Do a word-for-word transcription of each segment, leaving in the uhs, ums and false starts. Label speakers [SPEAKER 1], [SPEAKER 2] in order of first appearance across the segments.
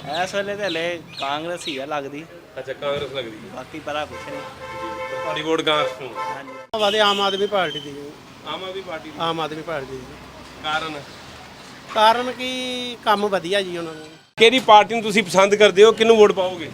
[SPEAKER 1] ਇਸ ਵੇਲੇ ਤੇ ਹਲੇ ਕਾਂਗਰਸ ਹੀ ਆ ਲੱਗਦੀ।
[SPEAKER 2] ਅੱਛਾ ਕਾਂਗਰਸ ਲੱਗਦੀ ਹੈ
[SPEAKER 1] ਬਾਕੀ ਪਤਾ ਕੁਛ ਨਹੀਂ।
[SPEAKER 2] ਜੀ ਤੇ ਤੁਹਾਡੀ ਵੋਟ ਕਾਂਗਰਸ ਨੂੰ
[SPEAKER 1] ਹਾਂਜੀ
[SPEAKER 3] ਵਾਦੇ ਆਮ ਆਦਮੀ ਪਾਰਟੀ ਦੀ ਜੀ।
[SPEAKER 2] ਆਮ ਆਦਮੀ ਪਾਰਟੀ ਦੀ
[SPEAKER 3] ਆਮ ਆਦਮੀ ਪਾਰਟੀ ਦੀ ਜੀ।
[SPEAKER 2] ਕਾਰਨ
[SPEAKER 3] ਕਾਰਨ ਕੀ ਕੰਮ ਵਧੀਆ ਜੀ ਉਹਨਾਂ ਨੂੰ।
[SPEAKER 2] ਕਿਹੜੀ ਪਾਰਟੀ ਨੂੰ ਤੁਸੀਂ ਪਸੰਦ ਕਰਦੇ ਹੋ, ਕਿਹਨੂੰ ਵੋਟ ਪਾਓਗੇ?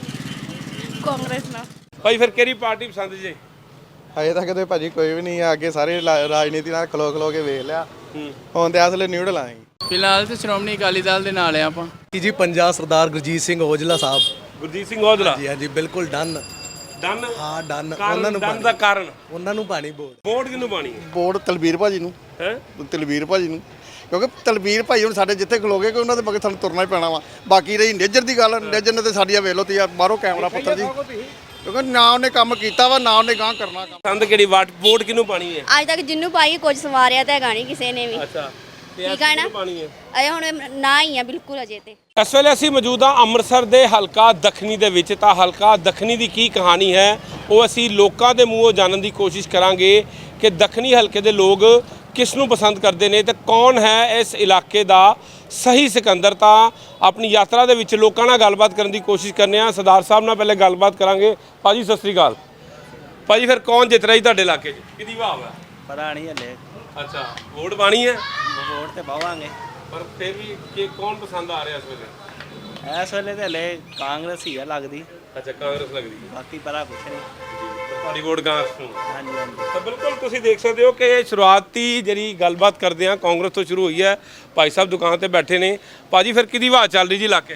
[SPEAKER 4] ਕਾਂਗਰਸ ਨਾਲ।
[SPEAKER 2] ਭਾਈ ਫਿਰ ਕਿਹੜੀ ਪਾਰਟੀ ਪਸੰਦ ਜੇ?
[SPEAKER 5] ਹਜੇ ਤੱਕ ਤੇ ਭਾਜੀ ਕੋਈ ਵੀ ਨਹੀਂ ਆ, ਅੱਗੇ ਸਾਰੇ ਲਾ- ਰਾਜਨੀਤੀ ਨਾਲ ਖਲੋ ਖਲੋ ਕੇ ਵੇਖ ਲਿਆ।
[SPEAKER 2] ਹੂੰ
[SPEAKER 5] ਹੁਣ ਤੇ ਅਸਲੇ ਨਿਊਡਲ ਆਏ
[SPEAKER 6] ਫਿਲਹਾਲ ਤੇ ਸ਼੍ਰੋਮਣੀ ਅਕਾਲੀ ਦਲ ਦੇ ਨਾਲ ਆ ਆਪਾਂ।
[SPEAKER 7] ਜੀ ਪੰਜਾਬ ਸਰਦਾਰ ਗੁਰਜੀਤ ਸਿੰਘ ਔਜਲਾ ਸਾਹਿਬ।
[SPEAKER 2] ਗੁਰਜੀਤ ਸਿੰਘ ਔਜਲਾ
[SPEAKER 7] ਜੀ ਹਾਂਜੀ ਬਿਲਕੁਲ ਡਨ।
[SPEAKER 2] ਡਨ
[SPEAKER 7] ਹਾਂ ਡਨ। ਉਹਨਾਂ
[SPEAKER 2] ਕਾਰਨ
[SPEAKER 7] ਨੂੰ
[SPEAKER 2] ਡਨ ਦਾ ਕਾਰਨ
[SPEAKER 7] ਉਹਨਾਂ ਨੂੰ ਪਾਣੀ ਬੋਲ
[SPEAKER 2] ਵੋਟ ਕਿਹਨੂੰ ਪਾਣੀ ਹੈ?
[SPEAKER 5] ਵੋਟ ਤਲਵੀਰ ਭਾਜੀ ਨੂੰ
[SPEAKER 2] ਹੈ
[SPEAKER 5] ਤਲਵੀਰ ਭਾਜੀ ਨੂੰ ਕਿਉਂਕਿ ਤਲਵੀਰ ਭਾਈ ਹੁਣ ਸਾਡੇ ਜਿੱਥੇ ਖਲੋਗੇ ਕਿ ਉਹਨਾਂ ਦੇ ਮਗਰ ਸਾਨੂੰ ਤੁਰਨਾ ਹੀ ਪੈਣਾ ਵਾ। ਬਾਕੀ ਰਹੀ ਨੇਜਰ ਦੀ ਗੱਲ, ਨੇਜਰ ਨੇ ਤੇ ਸਾਡੀਆਂ ਵੇਖ ਲਓ ਤੀ ਬਾਹਰੋਂ ਕੈਮਰਾ ਪੁੱਤਰ ਜੀ, ਕਿਉਂਕਿ ਨਾ ਉਹਨੇ ਕੰਮ ਕੀਤਾ ਵਾ ਨਾ ਉਹਨੇ ਗਾਂ ਕਰਨਾ ਕੰਮ।
[SPEAKER 2] ਪਸੰਦ ਕਿਹੜੀ ਵਾਟ ਵੋਟ ਕਿਹਨੂੰ ਪਾਣੀ ਹੈ?
[SPEAKER 4] ਅੱਜ ਤੱਕ ਜਿੰਨੂੰ ਪਾਈ ਕੁਝ ਸਵਾਰਿਆ ਤਾਂ ਹੈਗਾ ਨਹੀਂ ਕਿਸੇ ਨੇ ਵੀ।
[SPEAKER 2] ਅੱਛਾ ਤੇ
[SPEAKER 4] ਠੀਕ ਆ ਨਾ?
[SPEAKER 2] ਕਿਹਨੂੰ ਪਾਣੀ ਹੈ?
[SPEAKER 4] ਅਜੇ ਹੁਣ ਨਾ ਹੀ ਆ ਬਿਲਕੁਲ ਅਜੇ ਤੇ।
[SPEAKER 2] ਇਸ ਵੇਲੇ ਅਸੀਂ ਮੌਜੂਦ ਹਾਂ ਅੰਮ੍ਰਿਤਸਰ ਦੇ ਹਲਕਾ ਦੱਖਣੀ ਦੇ ਵਿੱਚ। ਤਾਂ ਹਲਕਾ ਦੱਖਣੀ ਦੀ ਕੀ ਕਹਾਣੀ ਹੈ ਉਹ ਅਸੀਂ ਲੋਕਾਂ ਦੇ ਮੂੰਹੋਂ ਜਾਣਨ ਦੀ ਕੋਸ਼ਿਸ਼ ਕਰਾਂਗੇ ਕਿ ਦੱਖਣੀ ਹਲਕੇ ਦੇ ਲੋਕ ਕਿਸ ਨੂੰ ਪਸੰਦ ਕਰਦੇ ਨੇ ਤੇ ਕੌਣ ਹੈ ਇਸ ਇਲਾਕੇ ਦਾ ਸਹੀ ਸਿਕੰਦਰ। ਤਾਂ ਆਪਣੀ ਯਾਤਰਾ ਦੇ ਵਿੱਚ ਲੋਕਾਂ ਨਾਲ ਗੱਲਬਾਤ ਕਰਨ ਦੀ ਕੋਸ਼ਿਸ਼ ਕਰਨੇ ਆ। ਸਰਦਾਰ ਸਾਹਿਬ ਨਾਲ ਪਹਿਲੇ ਗੱਲਬਾਤ ਕਰਾਂਗੇ। ਭਾਜੀ ਸਤਿ ਸ੍ਰੀ ਅਕਾਲ। ਭਾਜੀ ਫਿਰ ਕੌਣ ਜਿੱਤ ਰਿਹਾ ਜੀ ਤੁਹਾਡੇ ਇਲਾਕੇ 'ਚ? ਕਿਹਦੀ ਭਾਵ ਹੈ?
[SPEAKER 1] ਪਤਾ ਨਹੀਂ ਹਲੇ।
[SPEAKER 2] ਅੱਛਾ ਵੋਟ ਪਾਣੀ ਹੈ
[SPEAKER 1] ਵੋਟ ਤੇ ਪਾਵਾਂਗੇ
[SPEAKER 2] ਪਰ ਫਿਰ ਵੀ ਕਿ ਕੌਣ ਪਸੰਦ ਆ ਰਿਹਾ ਇਸ ਵੇਲੇ?
[SPEAKER 1] ਇਸ ਵੇਲੇ ਤੇ ਹਲੇ ਕਾਂਗਰਸ ਹੀ ਆ ਲੱਗਦੀ।
[SPEAKER 2] ਅੱਛਾ ਕਾਂਗਰਸ ਲੱਗਦੀ ਹੈ
[SPEAKER 1] ਬਾਕੀ ਪਤਾ ਕੁਛ ਨਹੀਂ।
[SPEAKER 2] ਜੀ ਤੇ ਤੁਹਾਡੀ ਵੋਟ ਕਾਂਗਰਸ ਨੂੰ
[SPEAKER 1] ਹਾਂਜੀ ਹਾਂਜੀ
[SPEAKER 2] ਤਾਂ ਬਿਲਕੁਲ ਤੁਸੀਂ ਦੇਖ ਸਕਦੇ ਹੋ ਕਿ ਸ਼ੁਰੂਆਤੀ ਜਿਹੜੀ ਗੱਲਬਾਤ ਕਰਦੇ ਆ ਕਾਂਗਰਸ ਤੋਂ ਸ਼ੁਰੂ ਹੋਈ ਹੈ। ਭਾਈ ਸਾਹਿਬ ਦੁਕਾਨ ਤੇ ਬੈਠੇ ਨੇ। ਭਾਜੀ ਫਿਰ ਕਿਹਦੀ ਆਵਾਜ਼ ਚੱਲ ਰਹੀ ਜੀ ਇਲਾਕੇ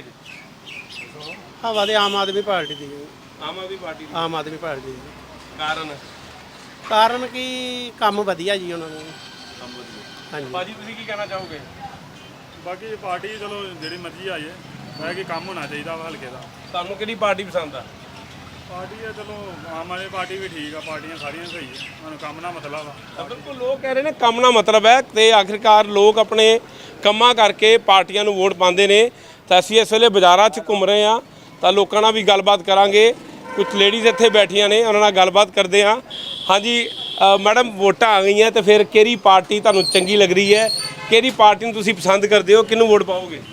[SPEAKER 2] 'ਚ?
[SPEAKER 3] ਹਵਾ ਦੇ ਆਮ ਆਦਮੀ ਪਾਰਟੀ ਦੀ ਜੀ।
[SPEAKER 2] ਆਮ ਆਦਮੀ ਪਾਰਟੀ ਦੀ
[SPEAKER 3] ਆਮ ਆਦਮੀ ਪਾਰਟੀ ਦੀ ਜੀ।
[SPEAKER 2] ਕਾਰਨ
[SPEAKER 3] ਕਾਰਨ ਕੀ ਕੰਮ ਵਧੀਆ ਜੀ ਉਹਨਾਂ ਨੂੰ। ਹਾਂਜੀ
[SPEAKER 2] ਭਾਜੀ ਤੁਸੀਂ ਕੀ ਕਹਿਣਾ ਚਾਹੋਗੇ?
[SPEAKER 8] ਬਾਕੀ ਪਾਰਟੀ ਚਲੋ ਜਿਹੜੀ ਮਰਜ਼ੀ ਆਈ ਹੈ, ਹੈ ਕਿ ਕੰਮ ਹੋਣਾ ਚਾਹੀਦਾ ਵਾ ਹਲਕੇ ਦਾ।
[SPEAKER 2] ਤੁਹਾਨੂੰ ਕਿਹੜੀ ਪਾਰਟੀ ਪਸੰਦ ਆ?
[SPEAKER 8] ਪਾਰਟੀ ਹੈ ਚਲੋ ਆਮ ਆਦਮੀ ਪਾਰਟੀ ਵੀ ਠੀਕ ਆ, ਪਾਰਟੀਆਂ ਸਾਰੀਆਂ ਸਹੀ ਹੈ, ਸਾਨੂੰ ਕੰਮ ਨਾਲ ਮਤਲਬ ਆ।
[SPEAKER 2] ਤਾਂ ਬਿਲਕੁਲ ਲੋਕ ਕਹਿ ਰਹੇ ਨੇ ਕੰਮ ਨਾਲ ਮਤਲਬ ਹੈ ਤੇ ਆਖਿਰਕਾਰ ਲੋਕ ਆਪਣੇ ਕੰਮਾਂ ਕਰਕੇ ਪਾਰਟੀਆਂ ਨੂੰ ਵੋਟ ਪਾਉਂਦੇ ਨੇ। ਤਾਂ ਅਸੀਂ ਇਸ ਵੇਲੇ ਬਾਜ਼ਾਰਾਂ 'ਚ ਘੁੰਮ ਰਹੇ ਹਾਂ ਤਾਂ ਲੋਕਾਂ ਨਾਲ ਵੀ ਗੱਲਬਾਤ ਕਰਾਂਗੇ। ਕੁਝ ਲੇਡੀਜ਼ ਇੱਥੇ ਬੈਠੀਆਂ ਨੇ, ਉਹਨਾਂ ਨਾਲ ਗੱਲਬਾਤ ਕਰਦੇ ਹਾਂ। ਹਾਂਜੀ ਅ, ਮੈਡਮ ਵੋਟਾਂ ਆ ਗਈਆਂ ਤੇ ਫਿਰ ਕਿਹੜੀ ਪਾਰਟੀ ਤੁਹਾਨੂੰ ਚੰਗੀ ਲੱਗ ਰਹੀ ਹੈ? ਕਿਹੜੀ ਪਾਰਟੀ ਨੂੰ ਤੁਸੀਂ ਪਸੰਦ ਕਰਦੇ ਹੋ, ਕਿਹਨੂੰ ਵੋਟ ਪਾਓਗੇ?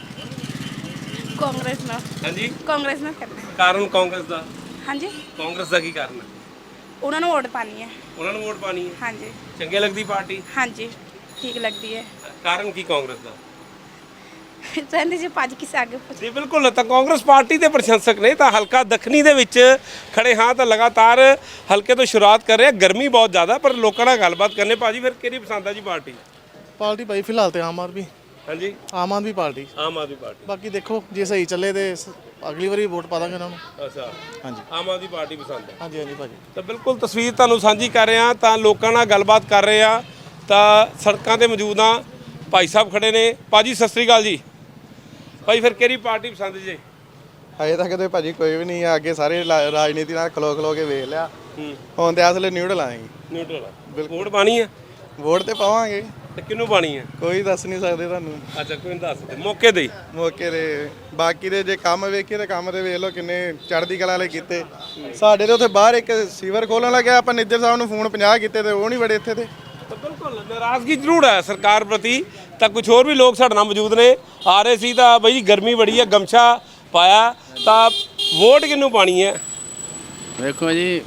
[SPEAKER 4] ਕਾਂਗਰਸ ਨਾਲ।
[SPEAKER 2] ਹਾਂਜੀ
[SPEAKER 4] ਕਾਂਗਰਸ ਨਾਲ ਕਰਨਾ।
[SPEAKER 2] ਕਾਰਨ ਕਾਂਗਰਸ ਦਾ?
[SPEAKER 4] ਹਾਂਜੀ
[SPEAKER 2] ਕਾਂਗਰਸ ਦਾ ਕੀ ਕਾਰਨ ਹੈ?
[SPEAKER 4] ਉਹਨਾਂ ਨੂੰ ਵੋਟ ਪਾਣੀ ਹੈ।
[SPEAKER 2] ਉਹਨਾਂ ਨੂੰ ਵੋਟ ਪਾਣੀ ਹੈ?
[SPEAKER 4] ਹਾਂਜੀ
[SPEAKER 2] ਚੰਗੇ ਲੱਗਦੀ ਪਾਰਟੀ?
[SPEAKER 4] ਹਾਂਜੀ ਠੀਕ ਲੱਗਦੀ ਹੈ।
[SPEAKER 2] ਕਾਰਨ ਕੀ ਕਾਂਗਰਸ ਦਾ?
[SPEAKER 4] ਕਹਿੰਦੇ ਜੀ ਭੱਜ ਕੇ ਅੱਗੇ ਪੁੱਛ।
[SPEAKER 2] ਜੀ ਬਿਲਕੁਲ। ਤਾਂ ਕਾਂਗਰਸ ਪਾਰਟੀ ਦੇ ਪ੍ਰਸ਼ੰਸਕ ਨੇ। ਤਾਂ ਹਲਕਾ ਦੱਖਣੀ ਦੇ ਵਿੱਚ ਖੜੇ ਹਾਂ ਤਾਂ ਲਗਾਤਾਰ ਹਲਕੇ ਤੋਂ ਸ਼ੁਰੂਆਤ ਕਰ ਰਹੇ। ਗਰਮੀ ਬਹੁਤ ਜ਼ਿਆਦਾ ਪਰ ਲੋਕਾਂ ਨਾਲ ਗੱਲਬਾਤ ਕਰਨੇ। ਭਾਜੀ ਫਿਰ ਕਿਹੜੀ ਪਸੰਦ ਆ ਜੀ ਪਾਰਟੀ?
[SPEAKER 3] ਪਾਰਟੀ ਭਾਈ ਫਿਲਹਾਲ ਤੇ ਆਮ ਆਦਮੀ
[SPEAKER 2] ਹਾਂਜੀ
[SPEAKER 3] ਆਮ ਆਦਮੀ ਪਾਰਟੀ।
[SPEAKER 2] ਆਮ ਆਦਮੀ ਪਾਰਟੀ।
[SPEAKER 3] ਬਾਕੀ ਦੇਖੋ ਜੇ ਸਹੀ ਚੱਲੇ ਤੇ ਸ- ਅਗਲੀ ਵਾਰੀ ਵੋਟ ਪਾ ਦਾਂਗੇ ਉਹਨਾਂ ਨੂੰ।
[SPEAKER 2] ਅੱਛਾ
[SPEAKER 3] ਹਾਂਜੀ
[SPEAKER 2] ਆਮ ਆਦਮੀ ਪਾਰਟੀ ਪਸੰਦ ਹੈ।
[SPEAKER 3] ਹਾਂਜੀ ਹਾਂਜੀ ਭਾਜੀ।
[SPEAKER 2] ਤਾਂ ਬਿਲਕੁਲ ਤਸਵੀਰ ਤੁਹਾਨੂੰ ਸਾਂਝੀ ਕਰ ਰਹੇ ਹਾਂ ਤਾਂ ਲੋਕਾਂ ਨਾਲ ਗੱਲਬਾਤ ਕਰ ਰਹੇ ਹਾਂ। ਤਾਂ ਸੜਕਾਂ ਤੇ ਮੌਜੂਦ ਹਾਂ। ਭਾਈ ਸਾਹਿਬ ਖੜੇ ਨੇ। ਭਾਜੀ ਸਤਿ ਸ੍ਰੀ ਅਕਾਲ ਜੀ। ਭਾਈ ਫਿਰ ਕਿਹੜੀ ਪਾਰਟੀ ਪਸੰਦ ਜੀ?
[SPEAKER 5] ਹਜੇ ਤੱਕ ਤੇ ਭਾਜੀ ਕੋਈ ਵੀ ਨਹੀਂ ਆ, ਅੱਗੇ ਸਾਰੇ ਲਾ- ਰਾਜਨੀਤੀ ਨਾਲ ਖਲੋ ਖਲੋ ਕੇ ਵੇਖ ਲਿਆ।
[SPEAKER 2] ਹੂੰ
[SPEAKER 5] ਹੁਣ ਤੇ ਅਸਲੇ ਨਿਊਡਲ ਆਏ
[SPEAKER 2] ਨਿਊਟਰਲ ਵੋਟ ਪਾਣੀ ਹੈ
[SPEAKER 5] ਵੋਟ ਤੇ ਪਾਵਾਂਗੇ,
[SPEAKER 2] ਤੇ ਕਿਹਨੂੰ ਪਾਣੀ ਹੈ?
[SPEAKER 5] ਕੋਈ ਦੱਸ ਨਹੀਂ ਸਕਦੇ ਤੁਹਾਨੂੰ
[SPEAKER 2] ਅੱਛਾ ਕੋਈ ਨਹੀਂ ਦੱਸ ਦੇ ਮੌਕੇ ਤੇ ਹੀ।
[SPEAKER 5] ਮੌਕੇ ਦੇ। ਬਾਕੀ ਦੇ ਜੇ ਕੰਮ ਵੇਖੀਏ ਤੇ ਕੰਮ ਤੇ ਵੇਖ ਲਓ ਕਿੰਨੇ ਚੜ੍ਹਦੀ ਕਲਾ ਵਾਲੇ ਕੀਤੇ। ਸਾਡੇ ਤੇ ਉੱਥੇ ਬਾਹਰ ਇੱਕ ਸੀਵਰ ਖੋਲਣ ਲੱਗਿਆ, ਆਪਾਂ ਨਿੱਜਰ ਸਾਹਿਬ ਨੂੰ ਫੋਨ ਪੰਜਾਹ ਕੀਤੇ ਤੇ ਉਹ ਨਹੀਂ ਵੜੇ ਇੱਥੇ ਤੇ।
[SPEAKER 2] ਤਾਂ ਬਿਲਕੁਲ ਨਾਰਾਜ਼ਗੀ ਜ਼ਰੂਰ ਹੈ ਸਰਕਾਰ ਪ੍ਰਤੀ। ਤਾਂ ਕੁਝ ਹੋਰ ਵੀ ਲੋਕ ਸਾਡੇ ਨਾਲ ਮੌਜੂਦ ਨੇ। ਆ ਰਹੇ ਸੀ ਤਾਂ ਬਈ ਗਰਮੀ ਬੜੀ ਹੈ, ਗਮਛਾ ਪਾਇਆ। ਤਾਂ ਵੋਟ ਕਿਹਨੂੰ ਪਾਣੀ ਹੈ?
[SPEAKER 6] ਵੇਖੋ ਜੀ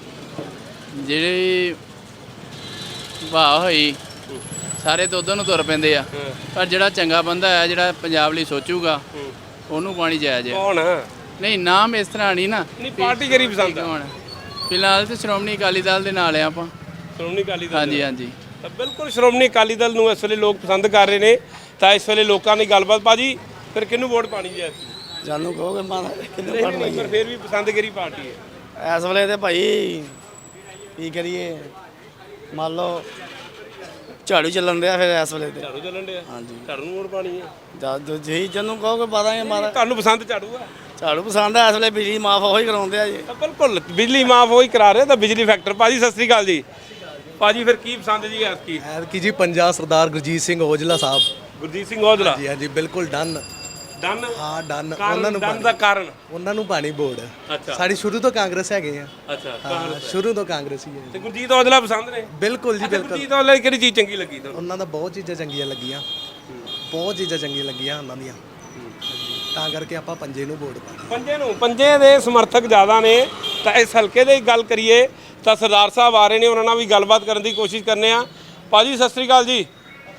[SPEAKER 6] ਜਿਹੜੀ ਵਾਹ ਹੋਈ ਸਾਰੇ ਤਾਂ ਉਧਰ ਨੂੰ ਤੁਰ ਪੈਂਦੇ ਆ, ਪਰ ਜਿਹੜਾ ਚੰਗਾ ਬੰਦਾ ਹੈ ਜਿਹੜਾ ਪੰਜਾਬ ਲਈ ਸੋਚੂਗਾ ਉਹਨੂੰ ਪਾਣੀ ਜਾਇਜ਼ ਹੈ।
[SPEAKER 2] ਕੌਣ ਹੈ?
[SPEAKER 6] ਨਹੀਂ ਨਾਮ ਇਸ ਤਰ੍ਹਾਂ ਨਹੀਂ ਨਾ।
[SPEAKER 2] ਨਹੀਂ ਪਾਰਟੀ ਕਿਹੜੀ ਪਸੰਦ ਹੈ?
[SPEAKER 6] ਕੌਣ? ਫਿਲਹਾਲ ਤੇ ਸ਼੍ਰੋਮਣੀ ਅਕਾਲੀ ਦਲ ਦੇ ਨਾਲ ਆ ਆਪਾਂ।
[SPEAKER 2] ਸ਼੍ਰੋਮਣੀ ਅਕਾਲੀ ਦਲ।
[SPEAKER 6] ਹਾਂਜੀ ਹਾਂਜੀ
[SPEAKER 2] ਤਾਂ ਬਿਲਕੁਲ ਸ਼੍ਰੋਮਣੀ ਅਕਾਲੀ ਦਲ ਨੂੰ ਇਸ ਵੇਲੇ ਲੋਕ ਪਸੰਦ ਕਰ ਰਹੇ ਨੇ। ਤਾਂ ਇਸ ਵੇਲੇ ਲੋਕਾਂ ਦੀ ਗੱਲਬਾਤ। ਭਾਜੀ ਫਿਰ ਕਿਹਨੂੰ ਵੋਟ ਪਾਣੀ ਜੀ?
[SPEAKER 3] ਜਾਨੂੰ ਕਹੋਗੇ ਮਾਂ ਕਿੰਨੇ
[SPEAKER 2] ਨਹੀਂ ਨਹੀਂ ਪਰ ਫਿਰ ਵੀ ਪਸੰਦ ਕਿਹੜੀ ਪਾਰਟੀ ਹੈ?
[SPEAKER 3] ਇਸ ਵੇਲੇ ਤੇ ਭਾਈ ਕੀ ਕਰੀਏ, ਮੰਨ ਲਓ ਝਾੜੂ ਚੱਲਣ ਦਿਆ ਫਿਰ ਇਸ ਵੇਲੇ ਤੇ।
[SPEAKER 2] ਝਾੜੂ ਚੱਲਣ ਡਿਆ?
[SPEAKER 3] ਹਾਂਜੀ
[SPEAKER 2] ਝਾੜੂ ਨੂੰ ਵੋਟ ਪਾਣੀ ਹੈ?
[SPEAKER 3] ਜਦ ਜਿਹੀ ਜਨੂੰ ਕਹੋਗੇ ਪਾ ਦਾਂਗੇ ਮਾਰਾ।
[SPEAKER 2] ਤੁਹਾਨੂੰ ਪਸੰਦ ਝਾੜੂ ਆ?
[SPEAKER 3] ਝਾੜੂ ਪਸੰਦ ਆ, ਇਸ ਵੇਲੇ ਬਿਜਲੀ ਮਾਫ ਉਹੀ ਕਰਾਉਂਦੇ ਆ ਜੀ।
[SPEAKER 2] ਤਾਂ ਬਿਲਕੁਲ ਬਿਜਲੀ ਮਾਫ ਹੋਈ ਕਰਾ ਰਹੇ ਤਾਂ ਬਿਜਲੀ ਫੈਕਟਰ। ਭਾਜੀ ਸਤਿ ਸ੍ਰੀ ਅਕਾਲ ਜੀ। ਭਾਜੀ ਫਿਰ ਕੀ ਪਸੰਦ ਜੀ ਐਤਕੀ?
[SPEAKER 7] ਐਤਕੀ ਜੀ ਪੰਜਾਬ ਸਰਦਾਰ ਗੁਰਜੀਤ ਸਿੰਘ ਔਜਲਾ ਸਾਹਿਬ।
[SPEAKER 2] ਗੁਰਜੀਤ ਸਿੰਘ ਔਜਲਾ।
[SPEAKER 7] ਜੀ ਹਾਂਜੀ ਬਿਲਕੁਲ ਡਨ।
[SPEAKER 2] ਡਨ
[SPEAKER 7] ਹਾਂ ਡਨ।
[SPEAKER 2] ਕਾਰਨ-
[SPEAKER 7] ਉਹਨਾਂ ਨੂੰ
[SPEAKER 2] ਡਨ
[SPEAKER 7] ਪਾਣੀ-
[SPEAKER 2] ਦਾ ਕਾਰਨ?
[SPEAKER 7] ਉਹਨਾਂ ਨੂੰ ਪਾਣੀ ਬੋੜ।
[SPEAKER 2] ਅੱਛਾ
[SPEAKER 7] ਸਾਡੀ ਸ਼ੁਰੂ ਤੋਂ ਕਾਂਗਰਸ ਹੈਗੇ ਆ।
[SPEAKER 2] ਅੱਛਾ
[SPEAKER 7] ਹਾਂ ਸ਼ੁਰੂ ਤੋਂ ਕਾਂਗਰਸ ਹੀ ਹੈ।
[SPEAKER 2] ਤੇ ਗੁਰਜੀਤ ਔਜਲਾ ਪਸੰਦ ਨੇ?
[SPEAKER 7] ਬਿਲਕੁਲ ਜੀ
[SPEAKER 2] ਅੱਛਾ,
[SPEAKER 7] ਬਿਲਕੁਲ।
[SPEAKER 2] ਗੁਰਜੀਤ ਔਜਲਾ ਦੀ ਕਿਹੜੀ ਚੀਜ਼ ਚੰਗੀ ਲੱਗੀ ਤੁਹਾਨੂੰ?
[SPEAKER 7] ਉਹਨਾਂ ਦਾ ਬਹੁਤ ਚੀਜ਼ਾਂ ਚੰਗੀਆਂ ਲੱਗੀਆਂ, ਬਹੁਤ ਚੀਜ਼ਾਂ ਚੰਗੀਆਂ ਲੱਗੀਆਂ ਉਹਨਾਂ ਦੀਆਂ। ਤਾਂ ਕਰਕੇ ਆਪਾਂ ਪੰਜੇ ਨੂੰ ਵੋਟ ਪਾਣੀ।
[SPEAKER 2] ਪੰਜੇ ਨੂੰ ਪੰਜੇ ਦੇ ਸਮਰਥਕ ਜ਼ਿਆਦਾ ਨੇ। ਤਾਂ ਇਸ ਹਲਕੇ ਦੀ ਗੱਲ ਕਰੀਏ ਤਾਂ ਸਰਦਾਰ ਸਾਹਿਬ ਆ ਰਹੇ ਨੇ, ਉਹਨਾਂ ਨਾਲ ਵੀ ਗੱਲਬਾਤ ਕਰਨ ਦੀ ਕੋਸ਼ਿਸ਼ ਕਰਨੇ ਆ। ਭਾਜੀ ਸਤਿ ਸ੍ਰੀ ਅਕਾਲ ਜੀ।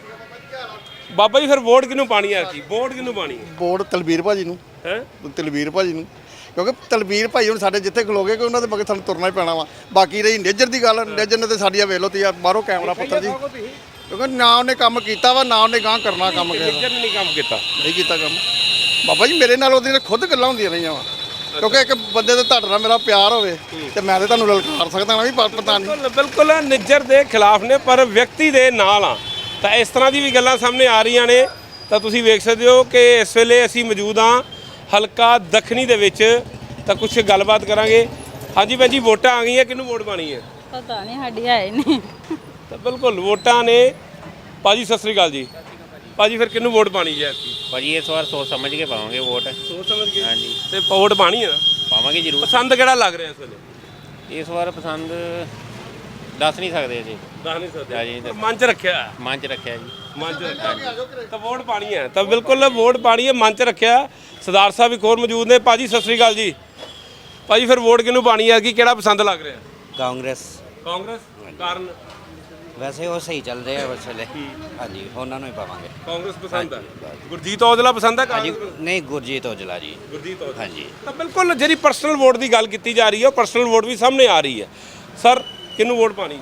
[SPEAKER 2] ਬਾਬਾ ਜੀ ਫਿਰ ਵੋਟ ਕਿਹਨੂੰ ਪਾਣੀ ਹੈ? ਕੀ ਵੋਟ ਕਿਹਨੂੰ ਪਾਣੀ ਹੈ?
[SPEAKER 5] ਵੋਟ ਤਲਵੀਰ ਭਾਜੀ ਨੂੰ
[SPEAKER 2] ਹੈ
[SPEAKER 5] ਤਲਵੀਰ ਭਾਜੀ ਨੂੰ, ਕਿਉਂਕਿ ਤਲਵੀਰ ਭਾਈ ਹੁਣ ਸਾਡੇ ਜਿੱਥੇ ਖਲੋਗੇ ਕਿ ਉਹਨਾਂ ਦੇ ਮਗਰ ਸਾਨੂੰ ਤੁਰਨਾ ਹੀ ਪੈਣਾ ਵਾ। ਬਾਕੀ ਰਹੀ ਨੇਜਰ ਦੀ ਗੱਲ, ਨੇਜਰ ਨੇ ਤੇ ਸਾਡੀਆਂ ਵੇਖ ਲਓ ਤੀ ਬਾਹਰੋਂ ਕੈਮਰਾ ਪੁੱਤਰ ਜੀ, ਕਿਉਂਕਿ ਨਾ ਉਹਨੇ ਕੰਮ ਕੀਤਾ ਵਾ, ਨਾ ਉਹਨੇ ਗਾਂ ਕਰਨਾ ਕੰਮ ਕਿਸੇ ਦਾ।
[SPEAKER 2] ਨਿੱਜਰ ਨੇ ਨਹੀਂ ਕੰਮ ਕੀਤਾ।
[SPEAKER 5] ਨਹੀਂ ਕੀਤਾ ਕੰਮ ਬਾਬਾ ਜੀ। ਮੇਰੇ ਨਾਲ ਉਹਦੀਆਂ ਖੁਦ ਗੱਲਾਂ ਹੁੰਦੀਆਂ ਰਹੀਆਂ ਵਾ, ਕਿਉਂਕਿ ਇੱਕ ਬੰਦੇ ਦੇ ਤੁਹਾਡੇ ਨਾਲ ਮੇਰਾ ਪਿਆਰ ਹੋਵੇ ਤੇ ਮੈਂ ਤੇ ਤੁਹਾਨੂੰ ਲਲਕਾਰ ਸਕਦਾ ਨਾ ਵੀ ਪ- ਪਤਾ ਨਹੀਂ।
[SPEAKER 2] ਬਿਲਕੁਲ ਬਿਲਕੁਲ ਨਿੱਜਰ ਦੇ ਖਿਲਾਫ ਨੇ, ਪਰ ਵਿਅਕਤੀ ਦੇ ਨਾਲ ਆ। ਤਾਂ ਇਸ ਤਰ੍ਹਾਂ ਦੀ ਵੀ ਗੱਲਾਂ ਸਾਹਮਣੇ ਆ ਰਹੀਆਂ ਨੇ। ਤਾਂ ਤੁਸੀਂ ਵੇਖ ਸਕਦੇ ਹੋ ਕਿ ਇਸ ਵੇਲੇ ਅਸੀਂ ਮੌਜੂਦ ਹਾਂ ਹਲਕਾ ਦੱਖਣੀ ਦੇ ਵਿੱਚ। ਤਾਂ ਕੁਝ ਗੱਲਬਾਤ ਕਰਾਂਗੇ। ਹਾਂਜੀ ਭੈਣ ਜੀ, ਵੋਟਾਂ ਆ ਗਈਆਂ, ਕਿਹਨੂੰ ਵੋਟ ਪਾਣੀ ਹੈ?
[SPEAKER 9] ਪਤਾ ਨਹੀਂ, ਸਾਡੀ ਹੈ ਨਹੀਂ।
[SPEAKER 2] ਤਾਂ ਬਿਲਕੁਲ ਵੋਟਾਂ ਨੇ। ਭਾਜੀ ਸਤਿ ਸ੍ਰੀ ਅਕਾਲ ਜੀ। ਭਾਜੀ ਫਿਰ ਕਿਹਨੂੰ ਵੋਟ ਪਾਣੀ ਹੈ?
[SPEAKER 10] ਭਾਜੀ ਇਸ ਵਾਰ ਸੋਚ ਸਮਝ ਕੇ ਪਾਵਾਂਗੇ ਵੋਟ।
[SPEAKER 2] ਸੋਚ ਸਮਝ ਕੇ।
[SPEAKER 10] ਹਾਂਜੀ
[SPEAKER 2] ਤੇ ਵੋਟ ਪਾਣੀ ਹੈ ਨਾ?
[SPEAKER 10] ਪਾਵਾਂਗੇ ਜ਼ਰੂਰ।
[SPEAKER 2] ਪਸੰਦ ਕਿਹੜਾ ਲੱਗ ਰਿਹਾ ਇਸ ਵੇਲੇ?
[SPEAKER 10] ਇਸ ਵਾਰ ਪਸੰਦ ਦੱਸ ਨਹੀਂ ਸਕਦੇ ਜੀ,
[SPEAKER 2] ਦੱਸ ਨਹੀਂ ਸਕਦੇ।
[SPEAKER 10] ਹਾਂਜੀ,
[SPEAKER 2] ਪਰ ਮਨ ਚ ਰੱਖਿਆ।
[SPEAKER 10] ਮਨ 'ਚ ਰੱਖਿਆ ਜੀ।
[SPEAKER 2] ਮਨ ਚ ਰੱਖਿਆ ਤਾਂ ਵੋਟ ਪਾਣੀ ਹੈ। ਤਾਂ ਬਿਲਕੁਲ ਵੋਟ ਪਾਣੀ ਹੈ, ਮਨ ਚ ਰੱਖਿਆ। ਸਰਦਾਰ ਸਾਹਿਬ ਇੱਕ ਹੋਰ ਮੌਜੂਦ ਨੇ। ਭਾਜੀ ਸਤਿ ਸ੍ਰੀ ਅਕਾਲ ਜੀ। ਭਾਜੀ ਫਿਰ ਵੋਟ ਕਿਹਨੂੰ ਪਾਣੀ ਹੈ? ਕੀ ਕਿਹੜਾ ਪਸੰਦ ਲੱਗ ਰਿਹਾ?
[SPEAKER 11] ਕਾਂਗਰਸ।
[SPEAKER 2] ਕਾਂਗਰਸ ਕਾਰਨ?
[SPEAKER 11] ਵੈਸੇ ਉਹ ਸਹੀ ਚੱਲ ਰਹੇ ਆ ਇਸ ਵੇਲੇ। ਹਾਂਜੀ, ਉਹਨਾਂ ਨੂੰ ਹੀ ਪਾਵਾਂਗੇ।
[SPEAKER 2] ਕਾਂਗਰਸ ਪਸੰਦ ਹੈ। ਗੁਰਜੀਤ ਔਜਲਾ ਪਸੰਦ ਹੈ?
[SPEAKER 11] ਹਾਂਜੀ,
[SPEAKER 2] ਕਾਂਗਰਸ
[SPEAKER 11] ਨਹੀਂ ਗੁਰਜੀਤ ਔਜਲਾ ਜੀ।
[SPEAKER 2] ਗੁਰਜੀਤ ਔਜਲਾ।
[SPEAKER 11] ਹਾਂਜੀ।
[SPEAKER 2] ਤਾਂ ਬਿਲਕੁਲ ਜਿਹੜੀ ਪਰਸਨਲ ਵੋਟ ਦੀ ਗੱਲ ਕੀਤੀ ਜਾ ਰਹੀ ਹੈ, ਉਹ ਪਰਸਨਲ ਵੋਟ ਵੀ ਸਾਹਮਣੇ ਆ ਰਹੀ ਹੈ। ਸਰ ਕਿਹਨੂੰ ਵੋਟ ਪਾਣੀ?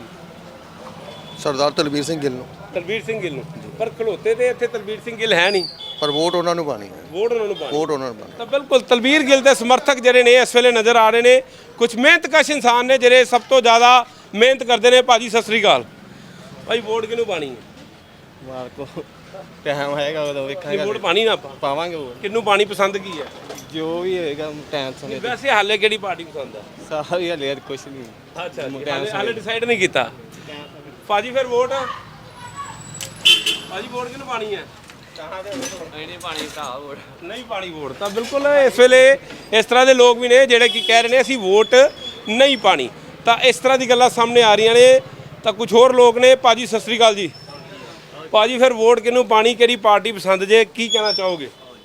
[SPEAKER 5] ਸਰਦਾਰ ਤਲਵੀਰ ਸਿੰਘ ਗਿੱਲ ਨੂੰ।
[SPEAKER 2] ਤਲਵੀਰ ਸਿੰਘ ਗਿੱਲ ਨੂੰ। ਪਰ ਖਲੋਤੇ ਤੇ ਇੱਥੇ ਤਲਵੀਰ ਸਿੰਘ ਗਿੱਲ ਹੈ ਨਹੀਂ,
[SPEAKER 5] ਪਰ ਵੋਟ ਉਹਨਾਂ ਨੂੰ ਪਾਣੀ ਹੈ।
[SPEAKER 2] ਵੋਟ ਉਹਨਾਂ ਨੂੰ ਪਾਣੀ।
[SPEAKER 5] ਵੋਟ ਉਹਨਾਂ ਨੂੰ ਪਾਣੀ।
[SPEAKER 2] ਤਾਂ ਬਿਲਕੁਲ ਤਲਵੀਰ ਗਿੱਲ ਦੇ ਸਮਰਥਕ ਜਿਹੜੇ ਨੇ ਇਸ ਵੇਲੇ ਨਜ਼ਰ ਆ ਰਹੇ ਨੇ। ਕੁਝ ਮਿਹਨਤਕਸ਼ ਇਨਸਾਨ ਨੇ ਜਿਹੜੇ ਸਭ ਤੋਂ ਜ਼ਿਆਦਾ ਮਿਹਨਤ ਕਰਦੇ ਨੇ। ਭਾਜੀ ਸਤਿ ਸ੍ਰੀ ਅਕਾਲ। ਭਾਈ ਵੋਟ ਕਿਹਨੂੰ ਪਾਣੀ ਹੈ?
[SPEAKER 3] ਮਾਰ ਕੋ ਟਾਈਮ ਹੈਗਾ ਉਦੋਂ
[SPEAKER 2] ਨਹੀਂ
[SPEAKER 3] ਵੇਖਾਂਗੇ।
[SPEAKER 2] ਵੋਟ ਪਾਣੀ ਨਾ ਆਪਾਂ
[SPEAKER 3] ਪਾਵਾਂਗੇ ਵੋਟ,
[SPEAKER 2] ਕਿਹਨੂੰ ਪਾਣੀ ਪਸੰਦ ਕੀ ਹੈ?
[SPEAKER 3] ਜੋ ਵੀ ਹੋਏਗਾ ਟਾਈਮ ਸਮੇਂ ਤੇ।
[SPEAKER 2] ਵੈਸੇ ਹਾਲੇ ਕਿਹੜੀ ਪਾਰਟੀ ਪਸੰਦ ਹੈ?
[SPEAKER 3] ਸਾਰੀ ਹਲੇ ਕੁਛ ਨਹੀਂ।
[SPEAKER 2] ਅੱਛਾ ਜੀ, ਹਾਲੇ ਹਾਲੇ ਡਿਸਾਈਡ ਨਹੀਂ ਕੀਤਾ। ਭਾਜੀ ਫਿਰ ਵੋਟ ਭਾਜੀ ਵੋਟ ਕਿਹਨੂੰ ਪਾਣੀ ਹੈ?
[SPEAKER 3] ਨਹੀਂ ਪਾਣੀ ਤਾਂ ਵੋਟ।
[SPEAKER 2] ਨਹੀਂ ਪਾਣੀ ਵੋਟ। ਤਾਂ ਬਿਲਕੁਲ ਇਸ ਵੇਲੇ ਇਸ ਤਰ੍ਹਾਂ ਦੇ ਲੋਕ ਵੀ ਨੇ ਜਿਹੜੇ ਕੀ ਕਹਿ ਰਹੇ ਨੇ ਅਸੀਂ ਵੋਟ ਨਹੀਂ ਪਾਣੀ। ਤਾਂ ਇਸ ਤਰ੍ਹਾਂ ਦੀ ਗੱਲਾਂ ਸਾਹਮਣੇ ਆ ਰਹੀਆਂ ਨੇ। ਤਾਂ ਕੁਝ ਹੋਰ ਲੋਕ ਨੇ। ਭਾਜੀ ਸਤਿ ਸ੍ਰੀ ਅਕਾਲ ਜੀ। ਭਾਜੀ ਫਿਰ ਵੋਟ ਕਿਹਨੂੰ ਪਾਣੀ, ਕਿਹੜੀ ਪਾਰਟੀ ਪਸੰਦ ਜੇ, ਕੀ ਕਹਿਣਾ ਚਾਹੋਗੇ?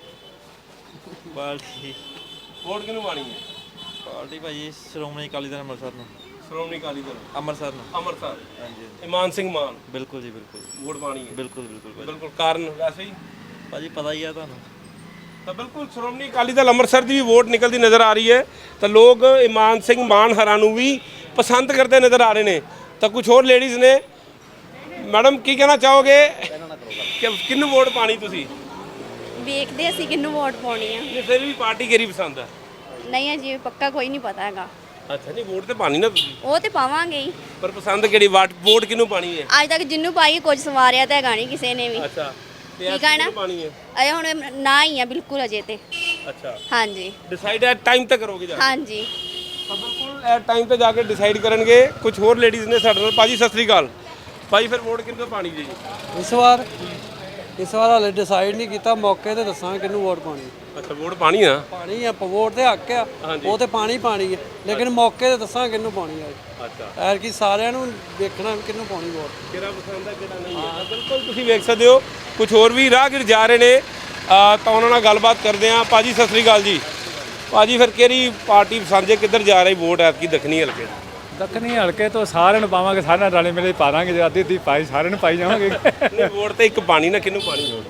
[SPEAKER 3] ਪਾਰਟੀ
[SPEAKER 2] ਵੋਟ ਕਿਹਨੂੰ ਪਾਣੀ ਹੈ?
[SPEAKER 3] ਪਾਰਟੀ ਭਾਜੀ ਸ਼੍ਰੋਮਣੀ ਅਕਾਲੀ ਦਲ ਅੰਮ੍ਰਿਤਸਰ ਨੂੰ।
[SPEAKER 2] ਸ਼੍ਰੋਮਣੀ ਅਕਾਲੀ ਦਲ
[SPEAKER 3] ਅੰਮ੍ਰਿਤਸਰ ਨੂੰ।
[SPEAKER 2] ਅੰਮ੍ਰਿਤਸਰ।
[SPEAKER 3] ਹਾਂਜੀ
[SPEAKER 2] ਇਮਾਨ ਸਿੰਘ ਮਾਨ
[SPEAKER 3] ਬਿਲਕੁਲ ਜੀ, ਬਿਲਕੁਲ
[SPEAKER 2] ਵੋਟ ਪਾਣੀ ਹੈ।
[SPEAKER 3] ਬਿਲਕੁਲ ਬਿਲਕੁਲ
[SPEAKER 2] ਬਿਲਕੁਲ ਕਾਰਨ ਵੈਸੇ ਹੀ
[SPEAKER 3] ਭਾਜੀ ਪਤਾ ਹੀ ਆ ਤੁਹਾਨੂੰ।
[SPEAKER 2] ਤਾਂ ਬਿਲਕੁਲ ਸ਼੍ਰੋਮਣੀ ਅਕਾਲੀ ਦਲ ਅੰਮ੍ਰਿਤਸਰ ਦੀ ਵੀ ਵੋਟ ਨਿਕਲਦੀ ਨਜ਼ਰ ਆ ਰਹੀ ਹੈ। ਤਾਂ ਲੋਕ ਇਮਾਨ ਸਿੰਘ ਮਾਨ ਹਰਾਂ ਨੂੰ ਵੀ ਪਸੰਦ ਕਰਦੇ ਨਜ਼ਰ ਆ ਰਹੇ ਨੇ। ਤਾਂ ਕੁਝ ਹੋਰ ਲੇਡੀਜ਼ ਨੇ। ਮੈਡਮ ਕੀ ਕਹਿਣਾ ਚਾਹੋਗੇ ਕਿ ਕਿਹਨੂੰ ਵੋਟ ਪਾਣੀ ਤੁਸੀਂ?
[SPEAKER 4] ਵੇਖਦੇ ਅਸੀਂ ਕਿਹਨੂੰ ਵੋਟ ਪਾਉਣੀ ਆ।
[SPEAKER 2] ਨਹੀਂ ਫਿਰ ਵੀ ਪਾਰਟੀ ਕਿਹੜੀ ਪਸੰਦ ਹੈ?
[SPEAKER 4] ਨਹੀਂ ਅਜੇ ਪੱਕਾ ਕੋਈ ਨਹੀਂ ਪਤਾ ਹੈਗਾ।
[SPEAKER 2] ਅੱਛਾ ਨਹੀਂ ਵੋਟ ਤੇ ਪਾਣੀ ਨਾ ਤੁਸੀਂ,
[SPEAKER 4] ਉਹ ਤੇ ਪਾਵਾਂਗੇ ਹੀ।
[SPEAKER 2] ਪਰ ਪਸੰਦ ਕਿਹੜੀ ਵਾਟ ਵੋਟ ਕਿਹਨੂੰ ਪਾਣੀ ਹੈ?
[SPEAKER 4] ਅੱਜ ਤੱਕ ਜਿੰਨੂੰ ਪਾਈ ਕੁਝ ਸਵਾਰਿਆ ਤਾਂ ਹੈਗਾ ਨਹੀਂ ਕਿਸੇ ਨੇ ਵੀ।
[SPEAKER 2] ਅੱਛਾ ਤੇ
[SPEAKER 4] ਠੀਕ ਹੈ ਨਾ?
[SPEAKER 2] ਕਿਹਨੂੰ ਪਾਣੀ ਹੈ?
[SPEAKER 4] ਅਜੇ ਹੁਣ ਨਾ ਹੀ ਆ ਬਿਲਕੁਲ ਅਜੇ ਤੇ।
[SPEAKER 2] ਅੱਛਾ
[SPEAKER 4] ਹਾਂਜੀ
[SPEAKER 2] ਡਿਸਾਈਡ ਐਟ ਟਾਈਮ ਤੇ ਕਰੋਗੇ ਜਾ ਕੇ?
[SPEAKER 4] ਹਾਂਜੀ।
[SPEAKER 2] ਤਾਂ ਬਿਲਕੁਲ ਐਟ ਟਾਈਮ ਤੇ ਜਾ ਕੇ ਡਿਸਾਈਡ ਕਰਨਗੇ। ਕੁਝ ਹੋਰ ਲੇਡੀਜ਼ ਨੇ ਸਾਡੇ ਨਾਲ। ਭਾਜੀ ਸਤਿ ਸ੍ਰੀ ਅਕਾਲ। ਭਾਜੀ ਫਿਰ ਵੋਟ ਕਿਹਨੂੰ ਪਾਣੀ ਜੀ?
[SPEAKER 7] ਇਸ ਵਾਰ ਇਸ ਵਾਰ ਹਾਲੇ ਡਿਸਾਈਡ ਨਹੀਂ ਕੀਤਾ, ਮੌਕੇ ਤੇ ਦੱਸਾਂਗੇ ਕਿਹਨੂੰ ਵੋਟ ਪਾਣੀ।
[SPEAKER 2] ਅੱਛਾ ਵੋਟ ਪਾਣੀ ਆ?
[SPEAKER 7] ਪਾਣੀ ਆ, ਵੋਟ ਤੇ ਹੱਕ ਆ, ਉਹ ਤੇ ਪਾਣੀ ਪਾਣੀ ਹੈ, ਲੇਕਿਨ ਮੌਕੇ ਤੇ ਦੱਸਾਂਗੇ ਕਿਹਨੂੰ ਪਾਣੀ ਆ।
[SPEAKER 2] ਅੱਛਾ
[SPEAKER 7] ਐਰ ਕੀ ਸਾਰਿਆਂ ਨੂੰ ਦੇਖਣਾ ਵੀ ਕਿਹਨੂੰ ਪਾਣੀ ਵੋਟ।
[SPEAKER 2] ਕਿਹੜਾ ਪਸੰਦ ਹੈ ਕਿਹੜਾ ਨਹੀਂ ਹੈ। ਬਿਲਕੁਲ ਤੁਸੀਂ ਵੇਖ ਸਕਦੇ ਹੋ ਕੁਝ ਹੋਰ ਵੀ ਰਾਹਗੀਰ ਜਾ ਰਹੇ ਨੇ। ਅ, ਤਾਂ ਉਹਨਾਂ ਨਾਲ ਗੱਲਬਾਤ ਕਰਦੇ ਹਾਂ। ਭਾਜੀ ਸਤਿ ਸ੍ਰੀ ਅਕਾਲ ਜੀ। ਭਾਜੀ ਫਿਰ ਕਿਹੜੀ ਪਾਰਟੀ ਪਸੰਦ ਹੈ? ਕਿੱਧਰ ਜਾ ਰਹੀ ਵੋਟ ਐਤਕੀ ਦੱਖਣੀ ਹਲਕੇ?
[SPEAKER 8] ਦੱਖਣੀ ਹਲਕੇ ਤੋਂ ਸਾਰਿਆਂ ਨੂੰ ਪਾਵਾਂਗੇ, ਸਾਰਿਆਂ ਰਲੇ ਮਿਲੇ ਪਾ ਦਾਂਗੇ। ਜੇ ਅੱਧੀ ਅੱਧੀ ਪਾਈ ਸਾਰਿਆਂ ਨੂੰ ਪਾਈ ਜਾਵਾਂਗੇ।
[SPEAKER 2] ਨਹੀਂ ਵੋਟ ਤੇ ਇੱਕ ਪਾਣੀ ਨਾ, ਕਿਹਨੂੰ ਪਾਣੀ ਵੋਟ?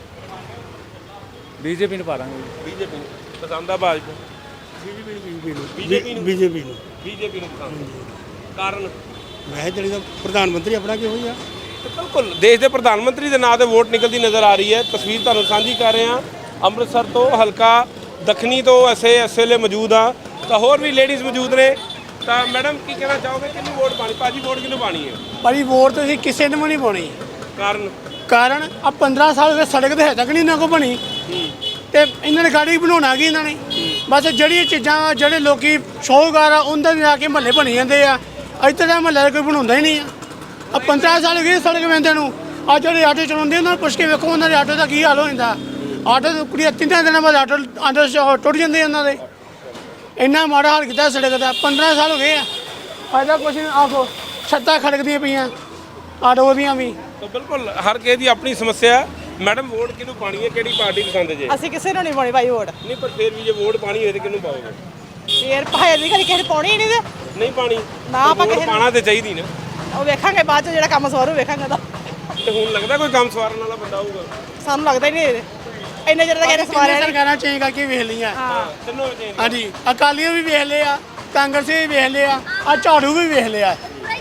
[SPEAKER 8] ਬੀਜੇਪੀ ਨੂੰ ਪਾ ਦਾਂਗੇ।
[SPEAKER 2] ਬੀਜੇਪੀ ਨੂੰ ਪਸੰਦ ਆ? ਭਾਜਪਾ? ਬੀਜੇਪੀ ਨੂੰ ਬੀਜੇਪੀ ਨੂੰ ਬੀਜੇਪੀ ਨੂੰ ਪਸੰਦ। ਕਾਰਨ?
[SPEAKER 3] ਮੈਂ ਜਿਹੜੀ ਦਾ ਪ੍ਰਧਾਨ ਮੰਤਰੀ ਆਪਣਾ ਕਿਹੋ ਜਿਹਾ।
[SPEAKER 2] ਤੇ ਬਿਲਕੁਲ ਦੇਸ਼ ਦੇ ਪ੍ਰਧਾਨ ਮੰਤਰੀ ਦੇ ਨਾਂ ਤੇ ਵੋਟ ਨਿਕਲਦੀ ਨਜ਼ਰ ਆ ਰਹੀ ਹੈ। ਤਸਵੀਰ ਤੁਹਾਨੂੰ ਸਾਂਝੀ ਕਰ ਰਹੇ ਹਾਂ ਅੰਮ੍ਰਿਤਸਰ ਤੋਂ, ਹਲਕਾ ਦੱਖਣੀ ਤੋਂ ਅਸੀਂ ਇਸ ਵੇਲੇ ਮੌਜੂਦ ਆ। ਤਾਂ ਹੋਰ ਵੀ ਲੇਡੀਜ਼ ਮੌਜੂਦ ਨੇ। ਤਾਂ ਮੈਡਮ ਕੀ ਕਹਿਣਾ ਚਾਹੋਗੇ ਕਿਹਨੂੰ ਵੋਟ ਪਾਣੀ? ਭਾਜੀ ਵੋਟ ਕਿਹਨੂੰ ਪਾਣੀ ਹੈ?
[SPEAKER 3] ਭਾਜੀ ਵੋਟ ਤਾਂ ਅਸੀਂ ਕਿਸੇ ਨੂੰ ਵੀ ਨਹੀਂ ਪਾਉਣੀ।
[SPEAKER 2] ਕਾਰਨ?
[SPEAKER 3] ਕਾਰਨ ਆ ਪੰਦਰਾਂ ਸਾਲ ਹੋ ਗਏ ਸੜਕ ਤੇ ਹਜੇ ਤੱਕ ਨਹੀਂ ਇਹਨਾਂ ਕੋ ਬਣੀ ਤੇ ਇਹਨਾਂ ਨੇ ਗਾੜੀ ਬਣਾਉਣਾ ਕੀ ਇਹਨਾਂ ਨੇ। ਬਸ ਜਿਹੜੀਆਂ ਚੀਜ਼ਾਂ ਜਿਹੜੇ ਲੋਕੀ ਸ਼ੌਕਗਾਰ ਆ ਉਹਨਾਂ ਦੇ ਆ ਕੇ ਮਹੱਲੇ ਬਣੀ ਜਾਂਦੇ ਆ। ਇੱਥੇ ਦਾ ਮਹੱਲੇ ਕੋਈ ਬਣਾਉਂਦਾ ਹੀ ਨਹੀਂ ਆ। ਆ ਪੰਦਰਾਂ ਸਾਲ ਹੋ ਗਏ ਸੜਕ ਵੰਦੇ ਨੂੰ। ਆ ਜਿਹੜੇ ਆਟੋ ਚਲਾਉਂਦੇ ਉਹਨਾਂ ਨੂੰ ਪੁੱਛ ਕੇ ਵੇਖੋ ਉਹਨਾਂ ਦੇ ਆਟੋ ਦਾ ਕੀ ਹਾਲ ਹੋ ਜਾਂਦਾ। ਆਟੋ ਕੁੜੀ ਤਿੰਨਾਂ ਦਿਨਾਂ ਬਾਅਦ ਆਟੋ ਆਟੋ ਟੁੱਟ ਜਾਂਦੇ ਉਹਨਾਂ ਦੇ। ਇੰਨਾ ਮਾੜਾ ਹਾਲ ਕੀਤਾ ਸੜਕ ਦਾ। ਪੰਦਰਾਂ ਸਾਲ ਹੋ ਗਏ ਆ ਫਾਇਦਾ ਕੁਛ ਨਹੀਂ। ਆਖੋ ਛੱਤਾਂ ਖੜਕਦੀਆਂ ਪਈਆਂ ਆਟੋ ਦੀਆਂ ਵੀ।
[SPEAKER 2] ਤਾਂ ਬਿਲਕੁਲ ਹਰ ਕਿਸੇ ਦੀ ਆਪਣੀ ਸਮੱਸਿਆ ਹੈ। ਮੈਡਮ ਵੋਟ ਕਿਹਨੂੰ ਪਾਣੀ ਹੈ, ਕਿਹੜੀ ਪਾਰਟੀ ਪਸੰਦ ਜੇ?
[SPEAKER 9] ਅਸੀਂ ਕਿਸੇ ਨੂੰ ਨਹੀਂ ਪਾਉਣੀ ਭਾਈ ਵੋਟ।
[SPEAKER 2] ਨਹੀਂ ਪਰ ਫਿਰ ਵੀ ਜੇ ਵੋਟ ਪਾਣੀ ਹੋਏ ਤੇ ਕਿਹਨੂੰ ਪਾਓਗੇ?
[SPEAKER 9] ਫੇਰ ਭਾਈ ਦੀ ਕਦੀ ਕਿਸੇ ਨੂੰ ਪਾਉਣੀ ਹੀ ਨਹੀਂ ਤੇ
[SPEAKER 2] ਨਹੀਂ ਪਾਣੀ
[SPEAKER 9] ਨਾ ਆਪਾਂ
[SPEAKER 2] ਵੋਟ
[SPEAKER 9] ਕਿਸੇ ਨੂੰ-
[SPEAKER 2] ਪਾਣਾ ਤੇ ਚਾਹੀਦੀ ਨਾ।
[SPEAKER 9] ਉਹ ਵੇਖਾਂਗੇ ਬਾਅਦ ਚ ਜਿਹੜਾ ਕੰਮ ਸਵਾਰੂ ਵੇਖਾਂਗੇ ਤਾਂ
[SPEAKER 2] ਤੇ ਹੁਣ ਲੱਗਦਾ ਕੋਈ ਕੰਮ ਸਵਾਰਨ ਵਾਲਾ ਬੰਦਾ ਹੋਊਗਾ?
[SPEAKER 9] ਸਾਨੂੰ ਲੱਗਦਾ ਹੀ ਨਹੀਂ ਇੰਨੇ ਜਿਹੜੇ ਤਾਂ ਕਹਿੰਦੇ ਸਵਾਰਿਆ
[SPEAKER 3] ਕਿੰਨੀਆਂ
[SPEAKER 9] ਨਹੀਂ।
[SPEAKER 3] ਸਰਕਾਰਾਂ ਚੇਂਜ ਕਰਕੇ ਵੇਖ ਲਈਆਂ
[SPEAKER 9] ਹਾਂ
[SPEAKER 2] ਤਿੰਨੋਂ change
[SPEAKER 3] ਹਾਂਜੀ ਅਕਾਲੀਆਂ ਵੀ ਵੇਖ ਲਿਆ, ਕਾਂਗਰਸੀ ਵੀ ਵੇਖ ਲਿਆ, ਆ ਝਾੜੂ ਵੀ ਵੇਖ ਲਿਆ।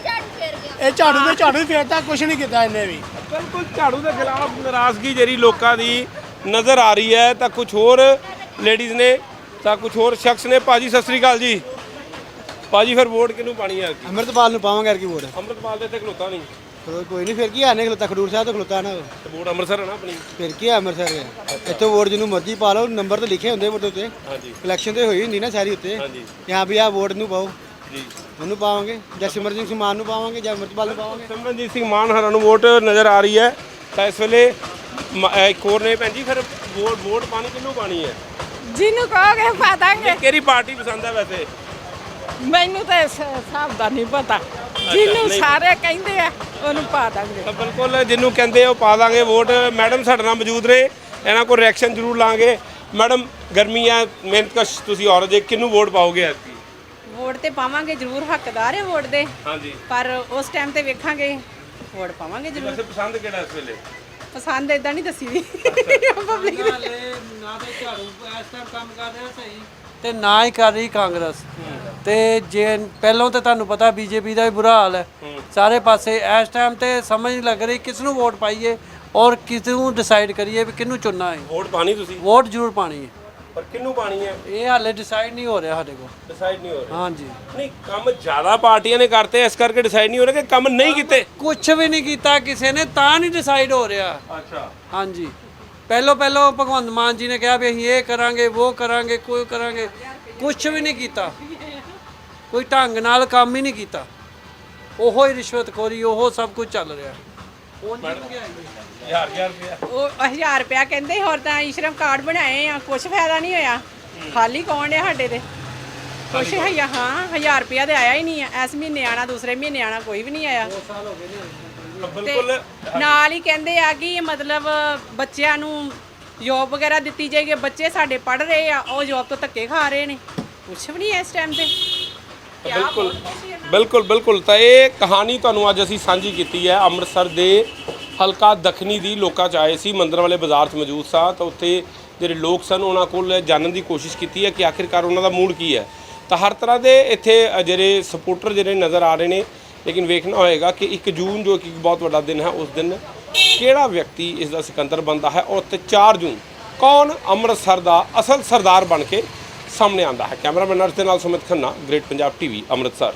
[SPEAKER 3] ਇਹ ਝਾੜੂ ਦੇ ਝਾੜੂ ਹੀ ਫੇਰਤਾ, ਕੁਛ ਨਹੀਂ ਕੀਤਾ ਇਹਨੇ ਵੀ।
[SPEAKER 2] ਬਿਲਕੁਲ ਝਾੜੂ ਦੇ ਖਿਲਾਫ ਨਾਰਾਜ਼ਗੀ ਜਿਹੜੀ ਲੋਕਾਂ ਦੀ ਨਜ਼ਰ ਆ ਰਹੀ ਹੈ। ਤਾਂ ਕੁਝ ਹੋਰ ਲੇਡੀਜ਼ ਨੇ ਤਾਂ ਕੁਝ ਹੋਰ ਸ਼ਖਸ ਨੇ। ਭਾਜੀ ਸਤਿ ਸ੍ਰੀ ਅਕਾਲ ਜੀ। ਭਾਜੀ ਫਿਰ ਵੋਟ ਕਿਹਨੂੰ ਪਾਣੀ ਹੈ?
[SPEAKER 7] ਅੰਮ੍ਰਿਤਪਾਲ ਨੂੰ ਪਾਵਾਂਗੇ ਯਾਰ ਕੀ ਵੋਟ।
[SPEAKER 2] ਅੰਮ੍ਰਿਤਪਾਲ ਦੇ ਇੱਥੇ ਖਲੋਤਾ ਨਹੀਂ
[SPEAKER 7] ਕੋਈ ਨਹੀਂ ਫਿਰ ਕੀ ਆਨੇ ਖਲੋਤਾ ਖਡੂਰ ਸਾਹਿਬ ਤੋਂ ਖਲੋਤਾ ਨਾ
[SPEAKER 2] ਤੇ ਵੋਟ ਅੰਮ੍ਰਿਤਸਰ ਹੈ ਨਾ ਆਪਣੀ।
[SPEAKER 7] ਫਿਰ ਕੀ ਆ ਅੰਮ੍ਰਿਤਸਰ ਇੱਥੋਂ ਵੋਟ ਜਿਹਨੂੰ ਮਰਜ਼ੀ ਪਾ ਲਓ, ਨੰਬਰ ਤੇ ਲਿਖੇ ਹੁੰਦੇ ਵੋਟ ਉੱਤੇ।
[SPEAKER 2] ਹਾਂਜੀ
[SPEAKER 7] ਇਲੈਕਸ਼ਨ ਤੇ ਹੋਈ ਹੁੰਦੀ ਨਾ ਸਾਰੀ ਉੱਤੇ।
[SPEAKER 2] ਹਾਂਜੀ
[SPEAKER 7] यहाँ ਵੀ ਆ ਵੋਟ ਨੂੰ ਪਾਓ,
[SPEAKER 2] ਜੀ।
[SPEAKER 7] ਉਹਨੂੰ ਪਾਵਾਂਗੇ ਜਾਂ ਸਿਮਰਜੀਤ ਸਿੰਘ ਮਾਨ ਨੂੰ ਪਾਵਾਂਗੇ ਜਾਂ ਅੰਮ੍ਰਿਤਪਾਲ ਨੂੰ ਪਾਵਾਂਗੇ।
[SPEAKER 2] ਸਿਮਰਨਜੀਤ ਸਿੰਘ ਮਾਨ ਹਰਾਂ ਨੂੰ ਵੋਟ ਨਜ਼ਰ ਆ ਰਹੀ ਹੈ। ਤਾਂ ਇਸ ਵੇਲੇ ਮ- ਅਹ ਇੱਕ ਹੋਰ ਨੇ ਭੈਣ ਜੀ, ਫਿਰ ਵੋਟ ਵੋਟ ਪਾਣੀ ਕਿਹਨੂੰ ਪਾਣੀ ਹੈ?
[SPEAKER 9] ਜਿਹਨੂੰ ਕਹੋਗੇ ਪਾ ਦਾਂਗੇ।
[SPEAKER 2] ਕਿਹੜੀ ਪਾਰਟੀ ਪਸੰਦ ਹੈ ਵੈਸੇ?
[SPEAKER 9] ਮੈਨੂੰ ਤਾਂ ਇਸ ਹਿਸਾਬ ਦਾ ਨਹੀਂ ਪਤਾ, ਜਿਹਨੂੰ
[SPEAKER 2] ਨਹੀਂ।
[SPEAKER 9] ਸਾਰੇ ਕਹਿੰਦੇ ਆ ਉਹਨੂੰ ਪਾ ਦਾਂਗੇ।
[SPEAKER 2] ਤਾਂ ਬਿਲਕੁਲ ਜਿਹਨੂੰ ਕਹਿੰਦੇ ਉਹ ਪਾ ਦਾਂਗੇ ਵੋਟ। ਮੈਡਮ ਸਾਡੇ ਨਾਲ ਮੌਜੂਦ ਨੇ, ਇਹਨਾਂ ਕੋਲ ਰਿਐਕਸ਼ਨ ਜ਼ਰੂਰ ਲਾਂਗੇ। ਮੈਡਮ ਗਰਮੀ ਹੈ, ਮਿਹਨਤਕਸ਼ ਤੁਸੀਂ ਔਰਤ ਜੇ, ਕਿਹਨੂੰ ਵੋਟ ਪਾਓਗੇ ਐਤਕੀ?
[SPEAKER 9] ਵੋਟ ਤੇ ਪਾਵਾਂਗੇ ਜ਼ਰੂਰ, ਹੱਕਦਾਰ ਹੈ ਵੋਟ ਦੇ,
[SPEAKER 2] ਹਾਂਜੀ
[SPEAKER 9] ਪਰ ਉਸ ਟਾਈਮ ਤੇ ਵੇਖਾਂਗੇ, ਵੋਟ ਪਾਵਾਂਗੇ ਜ਼ਰੂਰ।
[SPEAKER 2] ਵੈਸੇ ਪਸੰਦ ਕਿਹੜਾ ਇਸ ਵੇਲੇ?
[SPEAKER 9] ਪਸੰਦ ਇਦਾਂ ਨਹੀਂ ਦੱਸੀ ਦੀ ਪਬਲਿਕ
[SPEAKER 7] ਨਾ ਤੇ ਝਾੜੂ ਇਸ ਟਾਈਮ ਕੰਮ ਕਰ ਰਿਹਾ ਸਹੀ ਤੇ ਨਾ ਹੀ ਕਰ ਰਹੀ ਕਾਂਗਰਸ। ਤੇ ਜੇ ਪਹਿਲਾਂ ਤਾਂ ਤੁਹਾਨੂੰ ਪਤਾ ਬੀਜੇਪੀ ਦਾ ਵੀ ਬੁਰਾ ਹਾਲ ਹੈ ਸਾਰੇ ਪਾਸੇ। ਇਸ ਟਾਈਮ ਤੇ ਸਮਝ ਨਹੀਂ ਲੱਗ ਰਹੀ ਕਿਸ ਨੂੰ ਵੋਟ ਪਾਈਏ ਔਰ ਕਿਸ ਨੂੰ ਡਿਸਾਈਡ ਕਰੀਏ ਵੀ ਕਿਹਨੂੰ ਚੁਣਨਾ ਹੈ।
[SPEAKER 2] ਵੋਟ ਪਾਣੀ ਤੁਸੀਂ?
[SPEAKER 7] ਵੋਟ ਜ਼ਰੂਰ ਪਾਣੀ ਹੈ,
[SPEAKER 2] ਪਰ ਕਿਹਨੂੰ ਪਾਣੀ ਹੈ
[SPEAKER 7] ਇਹ ਹਾਲੇ ਡਿਸਾਈਡ ਨਹੀਂ ਹੋ ਰਿਹਾ ਸਾਡੇ ਕੋਲ।
[SPEAKER 2] ਡਿਸਾਈਡ ਨਹੀਂ ਹੋ ਰਿਹਾ।
[SPEAKER 7] ਹਾਂਜੀ
[SPEAKER 2] ਨਹੀਂ ਕੰਮ ਜ਼ਿਆਦਾ ਪਾਰਟੀਆਂ ਨੇ ਕਰਤੇ, ਇਸ ਕਰਕੇ ਡਿਸਾਈਡ ਨਹੀਂ ਹੋ ਰਿਹਾ ਕਿ ਕੰਮ ਨਹੀਂ ਕੀਤੇ।
[SPEAKER 7] ਕੁਝ ਵੀ ਨਹੀਂ ਕੀਤਾ ਕਿਸੇ ਨੇ, ਤਾਂ ਨਹੀਂ ਡਿਸਾਈਡ ਹੋ ਰਿਹਾ।
[SPEAKER 2] ਅੱਛਾ
[SPEAKER 7] ਹਾਂਜੀ ਪਹਿਲੋਂ ਪਹਿਲੋਂ ਭਗਵੰਤ ਮਾਨ ਜੀ ਨੇ ਕਿਹਾ ਵੀ ਅਸੀਂ ਇਹ ਕਰਾਂਗੇ ਉਹ ਕਰਾਂਗੇ ਕੋਈ ਕਰਾਂਗੇ, ਕੁਝ ਵੀ ਨਹੀਂ ਕੀਤਾ, ਕੋਈ ਢੰਗ ਨਾਲ ਕੰਮ ਹੀ ਨਹੀਂ ਕੀਤਾ। ਉਹੋ ਹੀ ਰਿਸ਼ਵਤਖੋਰੀ, ਉਹੋ ਸਭ ਕੁਝ ਚੱਲ ਰਿਹਾ।
[SPEAKER 2] ਹਜ਼ਾਰ ਹਜ਼ਾਰ ਰੁਪਇਆ
[SPEAKER 9] ਉਹ ਹਜ਼ਾਰ ਰੁਪਇਆ ਕਹਿੰਦੇ, ਹੋਰ ਤਾਂ ਈਸ਼ਰਮ ਕਾਰਡ ਬਣਾਏ ਆ, ਕੁਝ ਫਾਇਦਾ ਨਹੀਂ ਹੋਇਆ, ਖਾਲੀ ਕੌਣ ਹੈ ਸਾਡੇ ਤੇ ਕੁਛ ਹੈ। ਹਾਂ ਹਜ਼ਾਰ ਰੁਪਇਆ ਤੇ ਆਇਆ ਹੀ ਨਹੀਂ ਆ। ਇਸ ਮਹੀਨੇ ਆਣਾ, ਦੂਸਰੇ ਮਹੀਨੇ ਆਣਾ, ਕੋਈ ਵੀ ਨਹੀਂ ਆਇਆ।
[SPEAKER 2] ਬਿਲਕੁਲ
[SPEAKER 9] ਨਾਲ ਹੀ ਕਹਿੰਦੇ ਆ ਕਿ ਮਤਲਬ ਬੱਚਿਆਂ ਨੂੰ ਜੋਬ ਵਗੈਰਾ ਦਿੱਤੀ ਜਾਏਗੀ। ਬੱਚੇ ਸਾਡੇ ਪੜ੍ਹ ਰਹੇ ਆ, ਉਹ ਜੋਬ ਤੋਂ ਧੱਕੇ ਖਾ ਰਹੇ ਨੇ, ਕੁਛ ਵੀ ਨਹੀਂ ਹੈ ਇਸ ਟਾਈਮ ਤੇ।
[SPEAKER 2] ਬਿਲਕੁਲ ਬਿਲਕੁਲ ਬਿਲਕੁਲ ਤਾਂ ਇਹ ਕਹਾਣੀ ਤੁਹਾਨੂੰ ਅੱਜ ਅਸੀਂ ਸਾਂਝੀ ਕੀਤੀ ਹੈ ਅੰਮ੍ਰਿਤਸਰ ਦੇ ਹਲਕਾ ਦੱਖਣੀ ਦੀ। ਲੋਕਾਂ 'ਚ ਆਏ ਸੀ, ਮੰਦਰ ਵਾਲੇ ਬਾਜ਼ਾਰ 'ਚ ਮੌਜੂਦ ਸਾਂ, ਤਾਂ ਉੱਥੇ ਜਿਹੜੇ ਲੋਕ ਸਨ ਉਹਨਾਂ ਕੋਲ ਜਾਣਨ ਦੀ ਕੋਸ਼ਿਸ਼ ਕੀਤੀ ਹੈ ਕਿ ਆਖਿਰਕਾਰ ਉਹਨਾਂ ਦਾ ਮੂਡ ਕੀ ਹੈ। ਤਾਂ ਹਰ ਤਰ੍ਹਾਂ ਦੇ ਇੱਥੇ ਜਿਹੜੇ ਸਪੋਰਟਰ ਜਿਹੜੇ ਨਜ਼ਰ ਆ ਰਹੇ ਨੇ, ਲੇਕਿਨ ਵੇਖਣਾ ਹੋਏਗਾ ਕਿ ਇੱਕ ਜੂਨ ਜੋ ਕਿ ਬਹੁਤ ਵੱਡਾ ਦਿਨ ਹੈ, ਉਸ ਦਿਨ ਕਿਹੜਾ ਵਿਅਕਤੀ ਇਸ ਦਾ ਸਿਕੰਦਰ ਬਣਦਾ ਹੈ ਔਰ ਤੇ ਚਾਰ ਜੂਨ ਕੌਣ ਅੰਮ੍ਰਿਤਸਰ ਦਾ ਅਸਲ ਸਰਦਾਰ ਬਣ ਕੇ ਸਾਹਮਣੇ ਆਉਂਦਾ ਹੈ। ਕੈਮਰਾਮੈਨ ਅਰਸ਼ ਦੇ ਨਾਲ ਸੁਮਿਤ ਖੰਨਾ, ਗ੍ਰੇਟ ਪੰਜਾਬ ਟੀਵੀ ਅੰਮ੍ਰਿਤਸਰ।